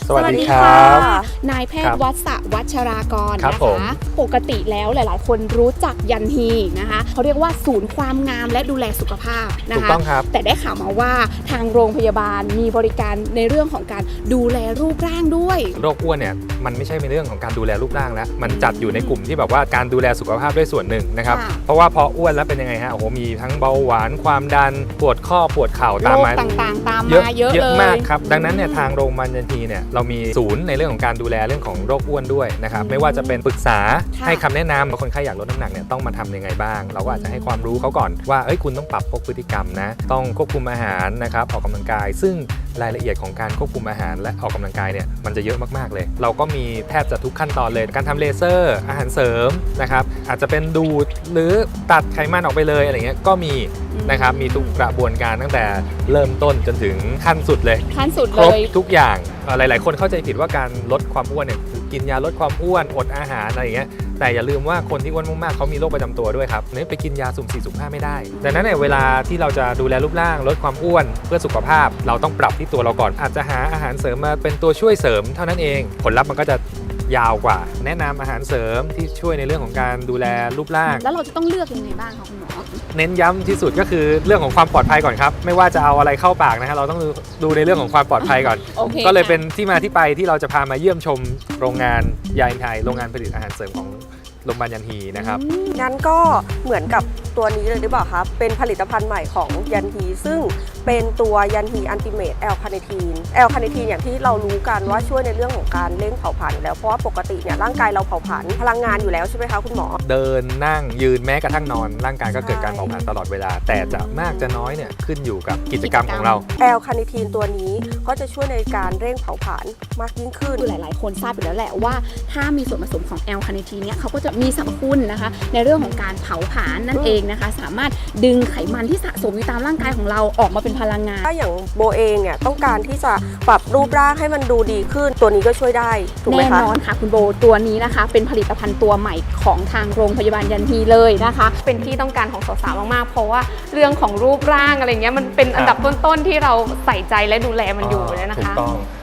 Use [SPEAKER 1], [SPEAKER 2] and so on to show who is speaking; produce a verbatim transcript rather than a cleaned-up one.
[SPEAKER 1] สวัสดีครับ
[SPEAKER 2] นายแพทย์วัชวัชรากร
[SPEAKER 1] ครับ
[SPEAKER 2] นะ
[SPEAKER 1] ผม
[SPEAKER 2] คะปกติแล้วหลายๆ คนรู้จักยันฮีนะคะเขาเรียกว่าศูนย์ความงามและดูแลสุขภาพนะ
[SPEAKER 1] ถูก
[SPEAKER 2] คะ
[SPEAKER 1] ต้องครับ
[SPEAKER 2] แต่ได้ข่าวมาว่าทางโรงพยาบาลมีบริการในเรื่องของการดูแลรูปร่างด้วย
[SPEAKER 1] โรคอ้วนเนี่ยมันไม่ใช่เป็นเรื่องของการดูแลรูปร่างแล้วมันจัดอยู่ในกลุ่มที่แบบว่าการดูแลสุขภาพด้วยส่วนหนึ่งนะครับ
[SPEAKER 2] ค่ะ
[SPEAKER 1] เพราะว่าพออ้วนแล้วเป็นยังไงฮะโอ้โหมีทั้งเบาหวานความดันปวดข้อปวดเข่า
[SPEAKER 2] โร
[SPEAKER 1] ตาม
[SPEAKER 2] ค
[SPEAKER 1] มา
[SPEAKER 2] ต่างๆ ตาม
[SPEAKER 1] เยอะ
[SPEAKER 2] มาเยอะ
[SPEAKER 1] เยอะ
[SPEAKER 2] เลย
[SPEAKER 1] มากครับดังนั้นเนี่ยทางโรงพยาบาลยันฮีเนี่ยเรามีศูนย์ในเรื่องของการดูแลเรื่องของโรคอ้วนด้วยนะครับไม่ว่าจะเป็นปรึกษา
[SPEAKER 2] ค่ะ
[SPEAKER 1] ให้คำแนะนำว่าคนไข้อยากลดน้ำหนักเนี่ยต้องมาทำยังไงบ้าง เราก็อาจจะให้ความรู้เขาก่อนว่าเอ้ยคุณต้องปรับพวกพฤติกรรมนะต้องควบคุมอาหารนะครับออกกำลังกาย ซึ่งรายละเอียดของการควบคุมอาหารและออกกำลังกายเนี่ยมันจะเยอะมากๆเลย เราก็มีแทบจะทุกขั้นตอนเลยการทำเลเซอร์อาหารเสริมนะครับอาจจะเป็นดูดหรือตัดไขมันออกไปเลยอะไรเงี้ยก็มีนะครับมีทุกกระบวนการตั้งแต่เริ่มต้นจนถึงขั้นสุดเลย
[SPEAKER 2] ขั้นสุด
[SPEAKER 1] ค
[SPEAKER 2] เล
[SPEAKER 1] รบ
[SPEAKER 2] ย
[SPEAKER 1] ทุกอย่างเอ่อหลาย ๆ คนเข้าใจผิดว่าการลดความอ้วนเนี่ยคือกินยาลดความอ้วนอดอาหารอะไรอย่างเงี้ยแต่อย่าลืมว่าคนที่อ้วนมาก ๆ เขามีโรคประจำตัวด้วยครับเนี่ยไปกินยาสุ่มสี่สุ่มห้าไม่ได้ดังนั้นเนี่ยเวลาที่เราจะดูแลรูปร่างลดความอ้วนเพื่อสุขภาพ เราต้องปรับที่ตัวเราก่อนอาจจะหาอาหารเสริมมาเป็นตัวช่วยเสริมเท่านั้นเองผลลัพธ์มันก็จะยาวกว่า แนะนำอาหารเสริมที่ช่วยในเรื่องของการดูแลรูปร่าง
[SPEAKER 2] แล้วเราจะต้องเลือกยังไงบ้างคะคุณหมอ
[SPEAKER 1] เน้นย้ำที่สุดก็คือเรื่องของความปลอดภัยก่อนครับไม่ว่าจะเอาอะไรเข้าปากนะฮะเราต้องดูดูในเรื่องของความปลอดภัยก่อน
[SPEAKER 2] โอเค
[SPEAKER 1] ก็เลย
[SPEAKER 2] ค่ะ
[SPEAKER 1] เป็นที่มาที่ไปที่เราจะพามาเยี่ยมชมโรงงานยาอินไทยโรงงานผลิตอาหารเสริมของโรงพยาบาลยันฮีนะครับ
[SPEAKER 3] งั้นก็เหมือนกับตัวนี้เลยหรือเปล่าครับเป็นผลิตภัณฑ์ใหม่ของยันฮีซึ่งเป็นตัวยันฮีอันติเมตแอลคาเนทีนแอลคาเนทีนอย่างที่เรารู้กันว่าช่วยในเรื่องของการเร่งเผาผลาญอยู่แล้วเพราะว่าปกติเนี่ยร่างกายเราเผาผลาญพลังงานอยู่แล้วใช่ไหมคะคุณหมอ
[SPEAKER 1] เดินนั่งยืนแม้กระทั่งนอนร่างกายก็เกิดการ
[SPEAKER 3] ใช่
[SPEAKER 1] เผาผลาญตลอดเวลา แต่จะมากจะน้อยเนี่ยขึ้นอยู่กับกิจกรรมของเรา
[SPEAKER 3] แอลคาเนทีนตัวนี้ก็จะช่วยในการเร่งเผาผลาญมากยิ่งขึ้น
[SPEAKER 2] คือหลาย ๆ คนทราบอยู่แล้วแหละว่าถ้ามีส่วนผสมของแอลคาเนทีนเนี่ยเขาก็จะมีสรรพคุณนะคะในเรื่องของการเผาผลาญนั่นเองนะคะสามารถดึงไขมันที่สะสมอยู่ตามร่างกายของเราออกมาเป็นพลังงาน
[SPEAKER 3] ถ้าอย่างโบเองเนี่ยต้องการที่จะปรับรูปร่างให้มันดูดีขึ้น ตัวนี้ก็ช่วยได้ถูกไหม
[SPEAKER 2] แน่
[SPEAKER 3] คะ
[SPEAKER 2] นอนค่ะคุณโบตัวนี้นะคะ เป็นผลิตภัณฑ์ตัวใหม่ของทางโรงพยาบาลยันฮีเลยนะคะ
[SPEAKER 4] เป็นที่ต้องการของสาวๆ มากๆ เพราะว่าเรื่องของรูปร่างอะไรเงี้ยมันเป็นอันดับต้นๆ ที่เราใส่ใจและดูแลมันอยู่เลยนะคะ
[SPEAKER 1] ถูกต้อง